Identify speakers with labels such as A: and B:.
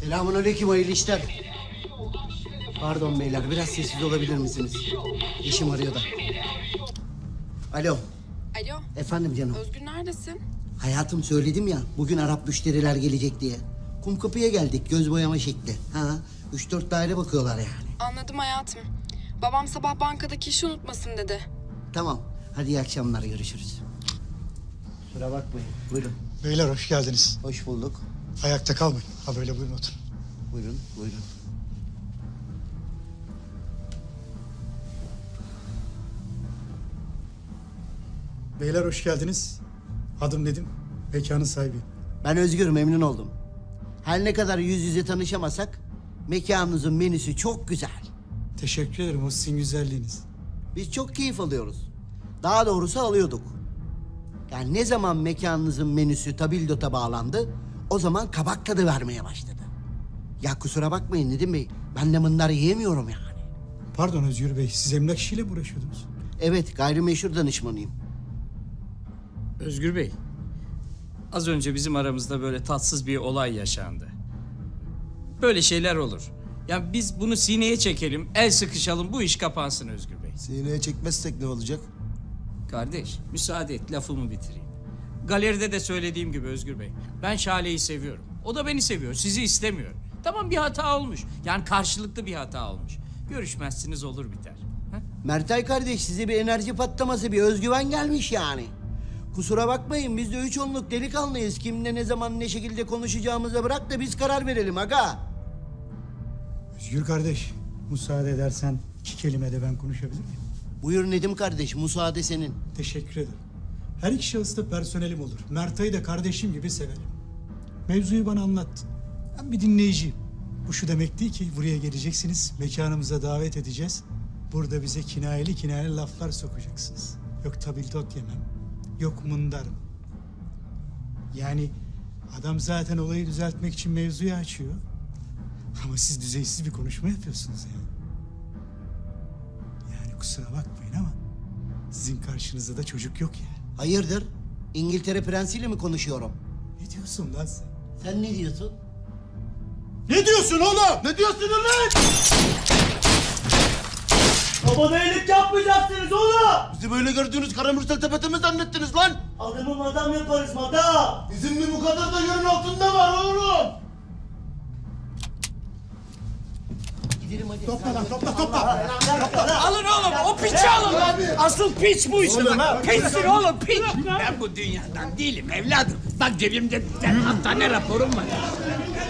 A: Selamünaleyküm, hayırlı işler. Pardon beyler, biraz sessiz olabilir misiniz? Eşim arıyor da. Alo.
B: Alo,
A: Efendim canım.
B: Özgür neredesin?
A: Hayatım, söyledim ya, bugün Arap müşteriler gelecek diye. Kumkapı'ya geldik, göz boyama şekli. Ha, 3-4 daire bakıyorlar yani.
B: Anladım hayatım. Babam sabah bankadaki işi unutmasın dedi.
A: Tamam, hadi iyi akşamlar, görüşürüz. Kusura bakmayın, buyurun.
C: Beyler hoş geldiniz.
A: Hoş bulduk.
C: Ayakta kalmayın. Ha böyle buyurun oturun.
A: Buyurun, buyurun.
C: Beyler hoş geldiniz. Adım Nedim. Mekanın sahibiyim.
A: Ben Özgür, memnun oldum. Her ne kadar yüz yüze tanışamasak, mekanınızın menüsü çok güzel.
C: Teşekkür ederim o sizin güzelliğiniz.
A: Biz çok keyif alıyoruz. Daha doğrusu alıyorduk. Yani ne zaman mekanınızın menüsü tabildota bağlandı, o zaman kabak tadı vermeye başladı. Ya kusura bakmayın Nedim Bey, ben de mınlar yiyemiyorum yani.
C: Pardon Özgür Bey, siz emlak işiyle mi uğraşıyordunuz?
A: Evet, gayrimeşhur danışmanıyım.
D: Özgür Bey, az önce bizim aramızda böyle tatsız bir olay yaşandı. Böyle şeyler olur. Yani biz bunu sineye çekelim, el sıkışalım, bu iş kapansın Özgür Bey.
E: Sineye çekmezsek ne olacak?
D: Kardeş, müsaade et, lafımı bitireyim. Galeride de söylediğim gibi Özgür Bey, ben Şale'yi seviyorum. O da beni seviyor, sizi istemiyor. Tamam, bir hata olmuş. Yani karşılıklı bir hata olmuş. Görüşmezsiniz, olur biter. Ha?
A: Mertay kardeş, size bir enerji patlaması, bir özgüven gelmiş yani. Kusura bakmayın, biz de 3 onluk delikanlıyız. Kimle ne zaman ne şekilde konuşacağımıza bırak da biz karar verelim aga.
C: Özgür kardeş, müsaade edersen 2 kelime de ben konuşabilir miyim?
A: Buyur Nedim kardeş, müsaade senin.
C: Teşekkür ederim. Her iki şahıs da personelim olur. Mertay'ı da kardeşim gibi severim. Mevzuyu bana anlattı. Ben bir dinleyiciyim. Bu şu demek değil ki buraya geleceksiniz, mekanımıza davet edeceğiz. Burada bize kinayeli laflar sokacaksınız. Yok tabildot yemem, yok mındarım. Yani adam zaten olayı düzeltmek için mevzuyu açıyor. Ama siz düzeysiz bir konuşma yapıyorsunuz yani. Yani kusura bakmayın ama sizin karşınızda da çocuk yok yani.
A: Hayırdır? İngiltere prensiyle mi konuşuyorum?
C: Ne diyorsun lan sen?
A: Sen ne diyorsun?
E: Ne diyorsun oğlum? Ne diyorsun lan?
F: Babana iyilik yapmayacaksınız oğlum.
E: Bizi böyle gördüğünüz karamürsel tepete mi zannettiniz lan?
F: Adamı madam yaparız madam.
E: Bizim bir bu kadar da yerin altında var oğlum.
A: Gidelim hadi.
C: Topla lan topla.
D: Alın oğlum, o piçi alın lan. Asıl piç bu işte. Piçsin oğlum, piç.
G: Ben bu dünyadan değilim evladım. Bak cebimde hastane raporum var.